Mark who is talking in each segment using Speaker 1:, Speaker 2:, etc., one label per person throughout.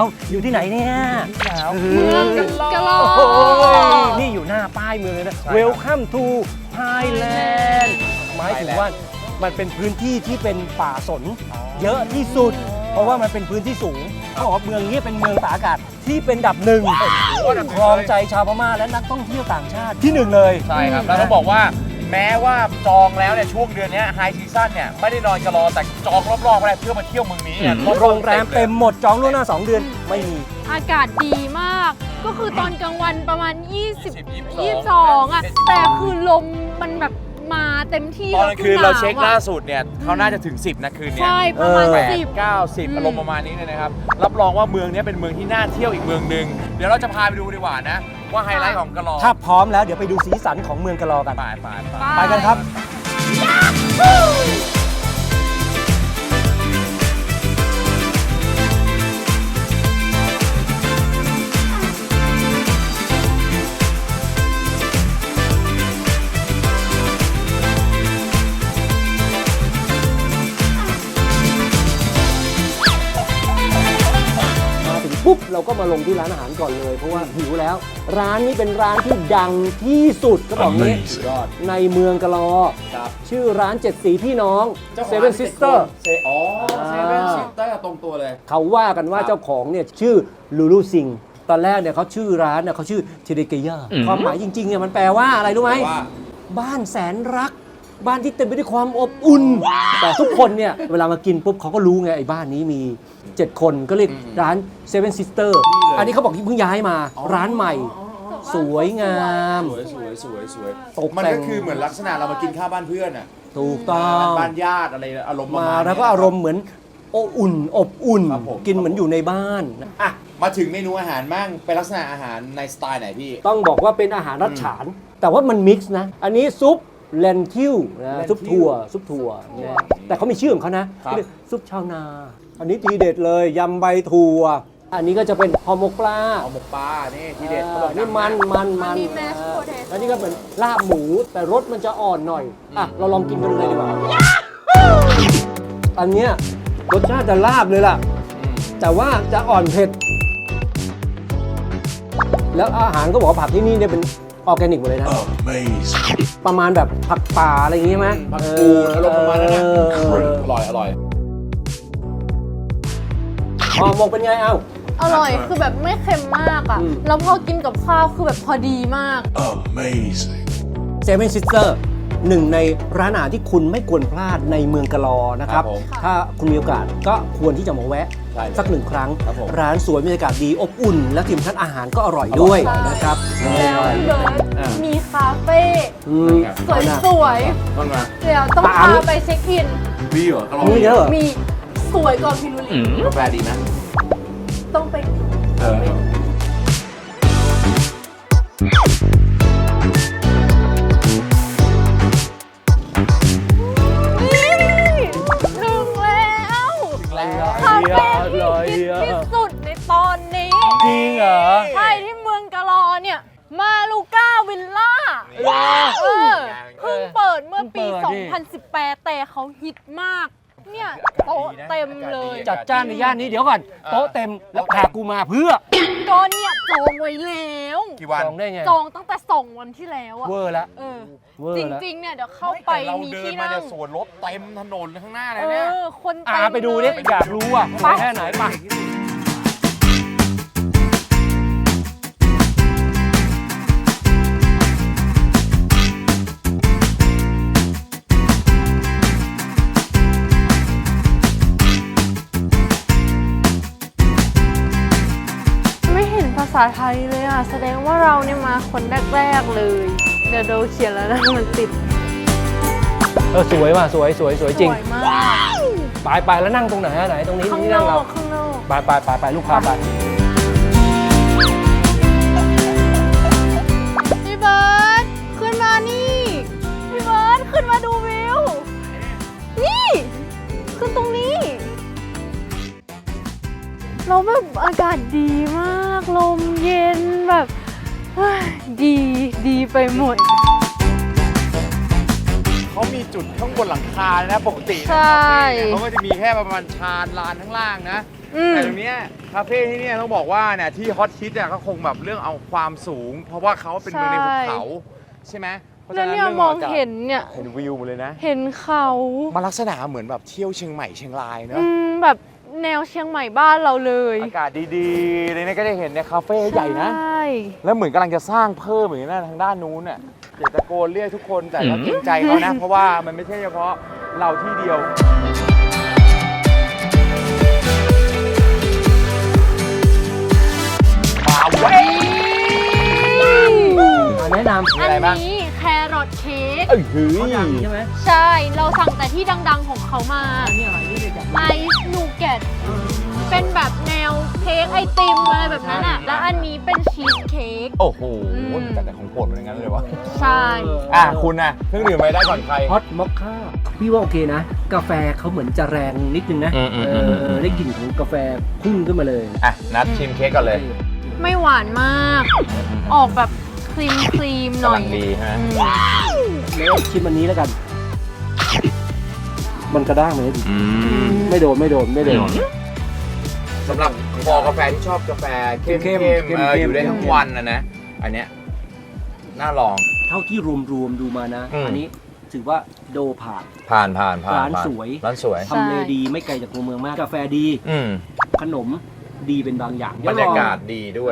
Speaker 1: อยู่ที่ไหนเนี่ย
Speaker 2: เมืองกะลอ
Speaker 1: โอ้ยนี่อยู่หน้าป้ายเมืองเลยนะ Welcome to Thailand หมายถึงว่ามันเป็นพื้นที่ที่เป็นป่าสนเยอะที่สุด เพราะว่ามันเป็นพื้นที่สูงเขาบอกว่าเมืองนี้เป็นเมืองตากอากาศที่เป็นอันดับหนึ่งครองใจชาวพม่าและนักท่องเที่ยวต่างชาติที่หนึ่งเลย
Speaker 3: ใช่ครับแล้วต้องบอกว่าแม้ว่าจองแล้วเนี่ยช่วงเดือนนี้ไฮซีซั่นเนี่ยไม่ได้นอนกะลอแต่จองรอบๆก็ได้เพื่อมาเที่ยวเมืองนี้เนี่ย
Speaker 1: โรงแรมเต็มหมดจองล่วงหน้า 2 เดือนไม่มี
Speaker 2: อากาศดีมาก ก็คือตอนกลางวันประมาณ 22อ่ะ แต่คือลมมันแบบมาเต็มที่
Speaker 3: ตอนกลางคืนเราเช็คล่าสุดเนี่ยเขาน่าจะถึง 10นะคืนเนี้ย
Speaker 2: ใช่ประมาณ
Speaker 3: 8 9 10อารมณ์ประมาณนี้เลยนะครับรับรองว่าเมืองนี้เป็นเมืองที่น่าเที่ยวอีกเมืองหนึ่งเดี๋ยวเราจะพาไปดูดีกว่านะว่าไฮไลท์ของกะลอ
Speaker 1: ถ้าพร้อมแล้วเดี๋ยวไปดูสีสันของเมืองกะลอกัน
Speaker 3: ไป
Speaker 1: ไปกันครับ มาถึงปุ๊บเราก็มาลงที่ร้านอาหารก่อนเลย เพราะว่าหิวแล้ว ร้านนี้เป็นร้านที่ดังที่สุดก็บอกนี้ในเมืองกะลอ ชื่อร้านเจ็ดสีพี่น้อง Seven Sister
Speaker 4: อ๋อเซเว่นซิสเตอร์ตรงตัวเลย
Speaker 1: เขาว่ากันว่าเจ้าของเนี่ยชื่อลูลูซิงตอนแรกเนี่ยเขาชื่อร้านเนี่ยเขาชื่อเทเดเกย่าความหมายจริงๆเนี่ยมันแปลว่าอะไรรู้ไหม
Speaker 4: ว่า
Speaker 1: บ้านแสนรัก บ้านที่เต็มไปด้วยความอบอุ่น แต่ทุกคนเนี่ยเวลามากินปุ๊บเขาก็รู้ไงไอ้บ้านนี้มี 7 คนก็เรียกร้าน Seven Sister อันนี้เขาบอกเพิ่งย้ายมาร้านใหม่ สวยงาม
Speaker 4: สวย
Speaker 1: ตก
Speaker 4: มัน
Speaker 1: แต่
Speaker 4: ก็
Speaker 1: ง
Speaker 4: คือเหมือนลักษณะเรามากินข้าวบ้านเพื่อนอ่ะ
Speaker 1: ถูกต้อง
Speaker 4: บ้านญาติอะไรอารมณ์ประ
Speaker 1: มา
Speaker 4: มาณ
Speaker 1: แล้วก็อารมณ์เหมือนอบอุ่น
Speaker 4: ครับผม
Speaker 1: กินเหมือนอยู่ในบ้าน
Speaker 4: อ่ะมาถึงเมนูอาหารมั่งเป็นลักษณะอาหารในสไตล์ไหนพี่
Speaker 1: ต้องบอกว่าเป็นอาหารรัดฉาน แต่ว่ามันมิกซ์นะ อันนี้ซุปเลนทิวนะ
Speaker 4: Lentil
Speaker 1: ซุปถั่วนะแต่เขามีชื่อของเขานะครับ เรียกซุปชาวนา อันนี้ทีเด็ดเลยยำใบถั่ว อันนี้ก็จะเป็นห่อหมกปลา
Speaker 4: เอาหมกปลา นี่ทีเด็ดเขาบอก
Speaker 1: นี่มัน
Speaker 2: อันนี้ mashed potato
Speaker 1: แล้วนี่ก็เหมือนลาบหมูแต่รสมันจะอ่อนหน่อย อ่ะ เราลองกินกันเลยดีกว่า อันเนี้ยรสชาติจะลาบเลยล่ะ แต่ว่าจะอ่อนเผ็ด แล้วอาหารก็บอกว่าผักที่นี่เนี่ยเป็นออร์แกนิกหมดเลยนะ ประมาณแบบผักป่าอะไรอย่างงี้ไหม
Speaker 4: ผักกูดอารมณ์ประมาณนั้นนะ อร่อย
Speaker 1: ห่อหมกเป็นไงเอ้า
Speaker 2: อร่อยคือแบบไม่เค็มมากอ่ะ แล้วพอกินกับข้าวคือแบบพอดีมาก
Speaker 1: Seven Sister หนึ่งในร้านอาหารที่คุณไม่ควรพลาดในเมืองกะลอนะครับ
Speaker 4: ครับผม
Speaker 1: ถ้าคุณมีโอกาสก็ควรที่จะมาแวะ
Speaker 4: ใช่เลย
Speaker 1: สักหนึ่งครั้ง
Speaker 4: ครับผม
Speaker 1: ร้านสวยบรรยากาศดีอบอุ่น และที่สำคัญอาหารก็อร่อยด้วย
Speaker 2: ใช่
Speaker 1: นะครับ
Speaker 2: แล้วพี่เบิร์ด
Speaker 4: อ่ามี
Speaker 2: มีคาเฟ่
Speaker 1: อืม
Speaker 2: สวย
Speaker 4: มันมา
Speaker 2: ๆ เดี๋ยวต้อง
Speaker 1: ปา
Speaker 2: พา
Speaker 1: ล์ม
Speaker 2: ไปเช็คอิน
Speaker 4: พี่เหรออร่อย
Speaker 1: มีเยอะเหรอ
Speaker 2: มีสวยกว่าพิรุลี
Speaker 4: กาแฟดีนะ
Speaker 2: ต้องไป
Speaker 4: เออ
Speaker 2: นี่ถึงแล้วคาเฟ่ที่ฮิตที่สุดในตอนนี้
Speaker 1: จริงเหรอ
Speaker 2: ใช่ที่เมืองกะลอเนี่ย มาลูก้าวิลล่าเออเพิ่งเปิดเมื่อปี
Speaker 1: เพิ่งเปิดดิ
Speaker 2: 2018 แต่เขาฮิตมาก เนี่ยโต๊ะเต็มเลย
Speaker 1: จัดจ้านในย่านนี้เดี๋ยวก่อนโต๊ะเต็มแล้วพากูมาเพื่อ
Speaker 2: ก็เนี่ยจองไว้แล้ว
Speaker 4: กี่วัน
Speaker 1: จองได้ไง
Speaker 2: จองตั้งแต่2 วันที่แล้วอะ
Speaker 1: เวอร์ละ
Speaker 2: เออ
Speaker 1: เวอร์
Speaker 2: จ
Speaker 1: ละ
Speaker 2: ริงๆ เนี่ยเดี๋ยวเข้าไป
Speaker 3: แต่เรา
Speaker 2: มี
Speaker 3: เดิน
Speaker 2: ที่
Speaker 3: มา
Speaker 2: นั่
Speaker 3: เนี่
Speaker 2: ง
Speaker 3: ยสวนรถเต็มถนนข้างหน้าเลย
Speaker 2: เอ
Speaker 3: เนี่ย
Speaker 2: อ คนเต็ม
Speaker 1: ไปดูดิ
Speaker 2: เลย
Speaker 1: อยากรู้อ่ะ
Speaker 2: ไป
Speaker 1: แค่ไหนไป
Speaker 2: ไม่เห็นภาษาไทยเลยอ่ะ แสดงว่าเราเนี่ยมาคนแรกๆเลย เดี๋ยวเราเขียนแล้วนะมันติด
Speaker 1: สวยว่ะสวยจริง
Speaker 2: สวยมาก
Speaker 1: ไปแล้วนั่งตรงไหนไหนตรงนี้
Speaker 2: ข้าง
Speaker 1: นี่
Speaker 2: น
Speaker 1: นั่ง
Speaker 2: อ
Speaker 1: เรา
Speaker 2: กข้างนอก
Speaker 1: ไปลูกค้าไป
Speaker 2: พี่เบิร์ดขึ้นมานี่ พี่เบิร์ดขึ้นมาดูวิว นี่ ขึ้นตรงนี้ เราแบบอากาศดีมาก ลมเย็นแบบเฮ้ยดีไปหมด
Speaker 3: เขามีจุดข้างบนหลังคานะปกติ
Speaker 2: ใช่
Speaker 3: เขาก็จะมีแค่ประมาณชานลานข้างล่างนะแต่ตรงเนี้ยคาเฟ่ที่เนี่ยต้องบอกว่าเนี่ยที่ฮอตฮิตเนี่ยก็คงแบบเรื่องเอาความสูง เพราะว่าเขาเป็นเมืองในภูเขาใช่ไหมเพราะฉะ
Speaker 2: แล้ว
Speaker 3: นั้น
Speaker 2: เนี่ย
Speaker 3: เรื่อง
Speaker 2: มอง
Speaker 3: ากาศ
Speaker 2: เห็นเนี่ย
Speaker 3: เห็นวิวหมดเลยนะ
Speaker 2: เห็นเขา
Speaker 3: มันลักษณะเหมือนแบบเที่ยวเชียงใหม่เชียงรายเนอะ
Speaker 2: แบบแนวเชียงใหม่บ้านเราเลย
Speaker 3: อากาศดีๆเลยเนี่ยก็ได้เห็นเนี่ยคาเฟ่ใหญ่นะ
Speaker 2: ใช่
Speaker 3: แล้วเหมือนกำลังจะสร้างเพิ่มเหมือนกันทางด้านนู้นน่ะเดี๋ยวตะโกนเรียกทุกคนแต่ก็เกรงใจเขานะ เพราะว่ามันไม่ใช่เฉพาะเราที่เดียวมาเว้ย
Speaker 1: แนะนำ
Speaker 3: มีอะไรบ้าง
Speaker 2: อันนี้แครอทเค้ก
Speaker 3: เอ้ยหือ
Speaker 1: เขาดังใช่ไหม
Speaker 2: ใช่ เราสั่งแต่ที่ดังๆของเขามา
Speaker 1: อันนี้อะไรนี่เลยจ้ะ
Speaker 2: ไอซ์นูเกตเป็นแบบแนวเค้กไอติมอะไรแบบนั้นอ่ะ แล้วอันนี้เป็นชีสเค้ก
Speaker 3: โอ้โห
Speaker 2: อืม
Speaker 3: แต่ของโปรดเป็นอย่างนั้นเลยวะ
Speaker 2: ใช่
Speaker 3: คุณน่ะเครื่องดื่มอะไรได้ก่อนใคร
Speaker 1: ฮอตมอคค่าพี่ว่าโอเคนะ กาแฟเขาเหมือนจะแรงนิดนึงนะ ได้กลิ่นของกาแฟพุ่งขึ้นมาเลย
Speaker 3: อ่ะนัดชิมเค้กก่อนเลย
Speaker 2: ไม่หวานมาก ออกแบบครีมหน่อย
Speaker 3: กำลังดีใช่ไหม
Speaker 1: แล้วชิมอันนี้แล้วกัน มันกระด้างไหมไม่โดน
Speaker 3: สำหรับคอกาแฟที่ชอบกาแฟเข้ม
Speaker 1: เข้ม
Speaker 3: อยู่ได้ทั้งวันนะ อันเนี้ยน่าลอง
Speaker 1: เท่าที่รวมๆดูมานะ
Speaker 3: อืม
Speaker 1: อันนี้ถือว่าโดผ่าน
Speaker 3: ผ่าน
Speaker 1: ร้านสวย
Speaker 3: ร้านสวย
Speaker 2: ใช่
Speaker 1: ทำเลดีไม่ไกลจากตัวเมืองมาก กาแฟดี
Speaker 3: อืม
Speaker 1: ขนมดีเป็นบางอย่าง
Speaker 3: บรรยากาศดีด้วย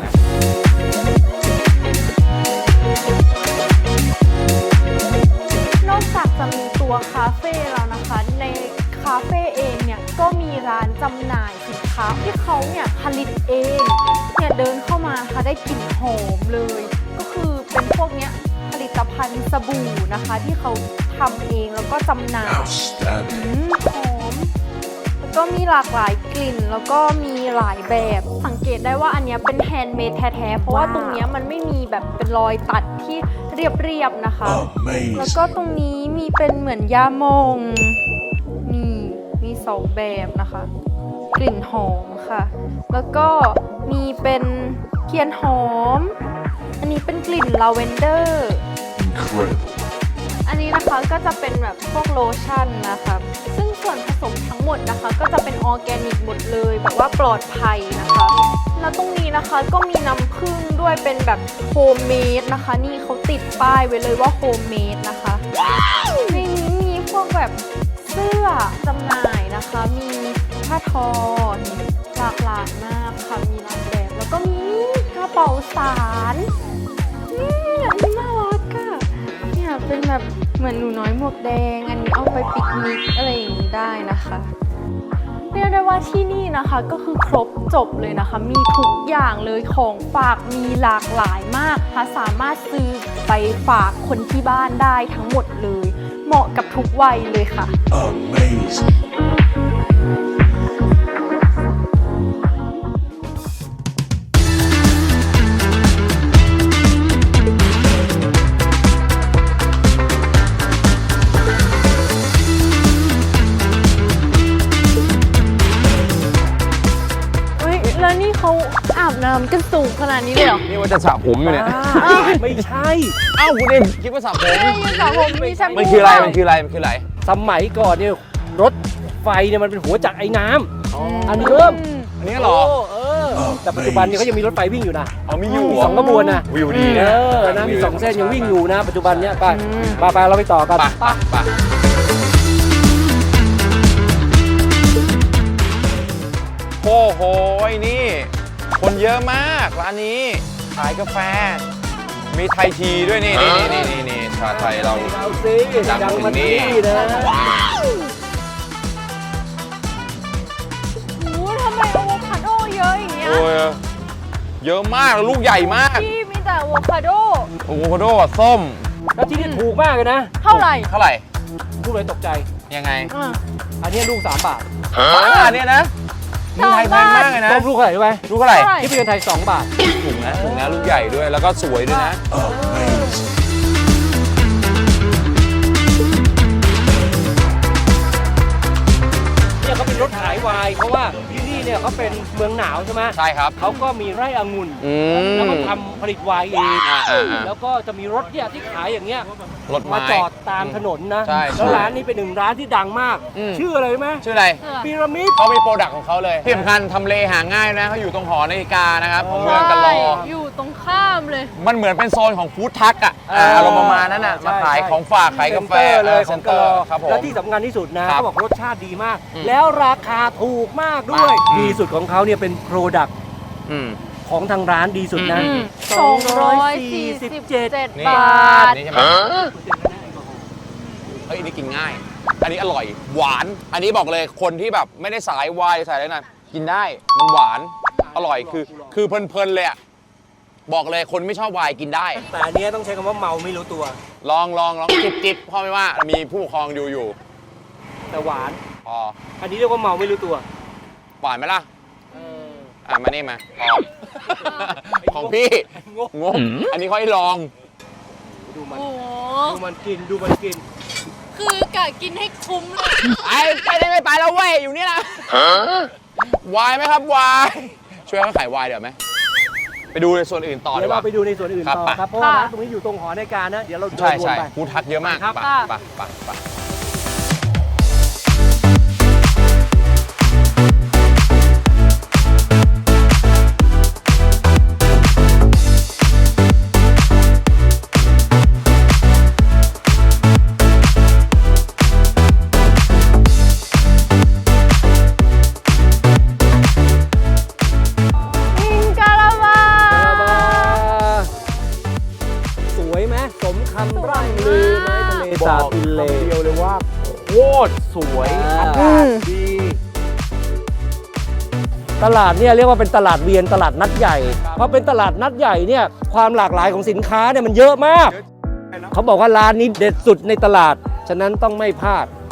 Speaker 2: นอกจากจะมีตัวคาเฟ่แล้วนะคะ ในคาเฟ่เองเนี่ยก็มีร้านจำหน่ายสินค้าที่เขาเนี่ยผลิตเองเนี่ยเดินเข้ามาค่ะได้กลิ่นหอมเลย ก็คือเป็นพวกเนี้ยผลิตภัณฑ์สบู่นะคะ ที่เขาทำเองแล้วก็จำหน่ายหอม แล้วก็มีหลากหลายกลิ่นแล้วก็มีหลายแบบสังเกตได้ว่าอันเนี้ยเป็นแฮนด์เมดแท้ๆเพราะว่าตรงเนี้ยมันไม่มีแบบเป็นรอยตัดที่เรียบๆนะคะ แล้วก็ตรงนี้มีเป็นเหมือนยามองนี่มีสองแบบนะคะ กลิ่นหอมค่ะ แล้วก็มีเป็นเทียนหอม อันนี้เป็นกลิ่นลาเวนเดอร์ อันนี้นะคะก็จะเป็นแบบพวกโลชั่นนะคะ ซึ่งส่วนผสมทั้งหมดนะคะก็จะเป็นออร์แกนิกหมดเลยแบบว่าปลอดภัยนะคะ แล้วตรงนี้นะคะก็มีน้ำผึ้งด้วยเป็นแบบโฮมเมดนะคะ นี่เขาติดป้ายไว้เลยว่าโฮมเมดนะคะในนี้มีพวกแบบเสื้อจำหน่ายนะคะ มีผ้าทอหลากหลายมากค่ะมีหลายแบบ แล้วก็มีกระเป๋าสารอันนี้น่ารักอะเนี่ยเป็นแบบเหมือนหนูน้อยหมวกแดง อันนี้เอาไปปิกนิกอะไรอย่างนี้ได้นะคะเรียกได้ว่าที่นี่นะคะก็คือครบจบเลยนะคะ มีทุกอย่างเลยของฝากมีหลากหลายมากค่ะสามารถซื้อไปฝากคนที่บ้านได้ทั้งหมดเลย เหมาะกับทุกวัยเลยค่ะ เฮ้ยแล้วนี่เขาอาบน้ำกันสูงขนาดนี้เลยเหรอ
Speaker 3: นี่ว่าจะสระผมอยู่เนี่ย
Speaker 1: ไม่ใช่
Speaker 3: เอ้าคุณเอ็มคิดว่าสระผม
Speaker 2: มีสระผมมีแชมพู
Speaker 3: มันคืออะไร
Speaker 1: สมัยก่อนเนี่ยรถไฟเนี่ยมันเป็นหัวจักรไอ้น้ำอันนี้เริ่ม
Speaker 3: อันนี้เหรอ
Speaker 1: แต่ปัจจุบันเนี่ยเขายังมีรถไฟวิ่งอยู่นะ
Speaker 3: เอามีอยู่
Speaker 1: มีสองขบวนนะ
Speaker 3: วิวดีนะ
Speaker 1: นะมีสองเส้นยังวิ่งอยู่นะ ปัจจุบันเนี่ยไปเราไปต่อกัน
Speaker 3: ไปโอ้โหนี่ คนเยอะมากร้านนี้ขายกาแฟ มีไทยทีด้วยนี่ชาไทยเรา
Speaker 1: เอาสิ
Speaker 3: ดังถึงนี่
Speaker 1: นะ
Speaker 2: โอ้ทำไมอะโวคาโดเยอะอย่างเงี้ย
Speaker 3: โอ้ยเยอะมากลูกใหญ่มาก
Speaker 2: พี่มีแต่อะโวคาโด
Speaker 3: โอ้โหโดกับส้ม
Speaker 1: แล้วที่นี่ถูกมากเลยนะ
Speaker 2: เท่าไหร่
Speaker 3: เท่าไหร่
Speaker 1: พูดเลยตกใจ
Speaker 3: ยังไง
Speaker 1: อันนี้ลูก3 บาท
Speaker 3: เนี่ยนะมีไทยแพงมากเลยนะ
Speaker 1: ต้มลูกเท่าไหร่รู้ไหม
Speaker 3: ลูกเท่าไหร่
Speaker 1: ที่เป็นเงินไทย2 บาท
Speaker 3: ถุงนะลูกใหญ่ด้วยแล้วก็สวยด้วยนะ
Speaker 1: เนี่ยเขาเป็นรถถขายไวน์เพราะว่าที่นี่เนี่ยเขาเป็นเมืองหนาวใช่ไหม
Speaker 3: ใช่ครับ
Speaker 1: เขาก็มีไร่องุ่น
Speaker 3: อืม
Speaker 1: แล้วก็ทำผลิตไวน์เอง
Speaker 3: อ่า
Speaker 1: แล้วก็จะมีรถเนี่ยที่ขายอย่างเงี้ย
Speaker 3: รถไม้
Speaker 1: มาจอดตามถนนนะ
Speaker 3: ใช่
Speaker 1: แล้วร้านนี้เป็นหนึ่งร้านที่ดังมาก
Speaker 3: อืม
Speaker 1: ชื่ออะไรรู้ไหม
Speaker 3: ชื่ออะไร
Speaker 1: พีระมิด
Speaker 3: เขามีโปรดักต์ของเขาเลยที่สำคัญทำเลหาง่ายนะเขาอยู่ตรงหอนาฬิกานะครับของเมืองกันรอ
Speaker 2: อยู่ตรงข้ามเลย
Speaker 3: มันเหมือนเป็นโซนของฟู้ดทักอ่ะอารมณ์ประมาณนั้นอ่ะมาขายของฝากขายกาแฟ
Speaker 1: เซ็นเตอร์เลยของกะลอ
Speaker 3: ครับผม
Speaker 1: และที่สำคัญที่สุดนะ
Speaker 3: ครับ
Speaker 1: เขาบอกรสชาติดีมาก
Speaker 3: อืม
Speaker 1: แล้วราคาถูกมากด้วย
Speaker 3: มาก
Speaker 1: ดีสุดของเขาเนี่ยเป็นโปรดักต์
Speaker 3: อืม
Speaker 1: ของทางร้านดีสุดนะ
Speaker 3: อืม
Speaker 2: 247
Speaker 3: นี่
Speaker 2: บาท
Speaker 3: นี่ใช่ไหมเฮ้ยอันนี้กินง่าย อันนี้อร่อย หวาน อันนี้บอกเลยคนที่แบบไม่ได้สายวายสายอะไรนะกินได้ มันหวาน อร่อย คือเพลินๆเลยอะบอกเลยคนไม่ชอบไวน์กินได้
Speaker 1: แต่อันเนี้ยต้องใช้คำว่าเมาไม่รู้ตัว
Speaker 3: ลองจิบพ่อไม่ว่า มีผู้ปกครองดูอยู่
Speaker 1: แต่หวาน
Speaker 3: พอ
Speaker 1: อันนี้เรียกว่าเมาไม่รู้ตัว
Speaker 3: หวานไหมล่ะ มานี่มาพอของพี่ งงอันนี้ค่อยลอง
Speaker 1: ดูมัน
Speaker 2: โอ้โห
Speaker 1: ดูมันกินดูมันกิน
Speaker 2: คือกะกินให้คุ้มเลย
Speaker 3: ไปได้ไม่ไปแล้วเว้ย อยู่นี่นะวายไหมครับวายช่วยเขาขายวายเดี๋ยวไหมไปดูในส่วนอื่นต่อ
Speaker 1: เดี๋
Speaker 3: ดี
Speaker 1: ยว
Speaker 3: ก
Speaker 1: เรา
Speaker 3: ว่า
Speaker 1: ไปดูในส่วนอื่น
Speaker 3: ครับ
Speaker 1: ต่อ
Speaker 3: ไป
Speaker 1: ครับเพราะว่า
Speaker 2: ค่ะ
Speaker 1: ร้านตรงนี้อยู่ตรงหอในายการนะ เดี๋ยวเราเดิน
Speaker 3: ใช่
Speaker 1: วน
Speaker 3: ใช่
Speaker 1: ไป
Speaker 3: ฟู้ดทักเยอะมาก
Speaker 1: ครับ
Speaker 3: ไป
Speaker 2: มิงกะลาบา
Speaker 1: สวยไหมสมคำร่ำลือไหมทะเลสาบอินเล
Speaker 3: เดียวเลยว่าโคตรสวย
Speaker 1: อากาศดี ตลาดเนี่ยเรียกว่าเป็นตลาดเวียนตลาดนัดใหญ่ เพราะเป็นตลาดนัดใหญ่เนี่ยความหลากหลายของสินค้าเนี่ยมันเยอะมาก เขาบอกว่าร้านนี้เด็ดสุดในตลาด ฉะนั้นต้องไม่พลาด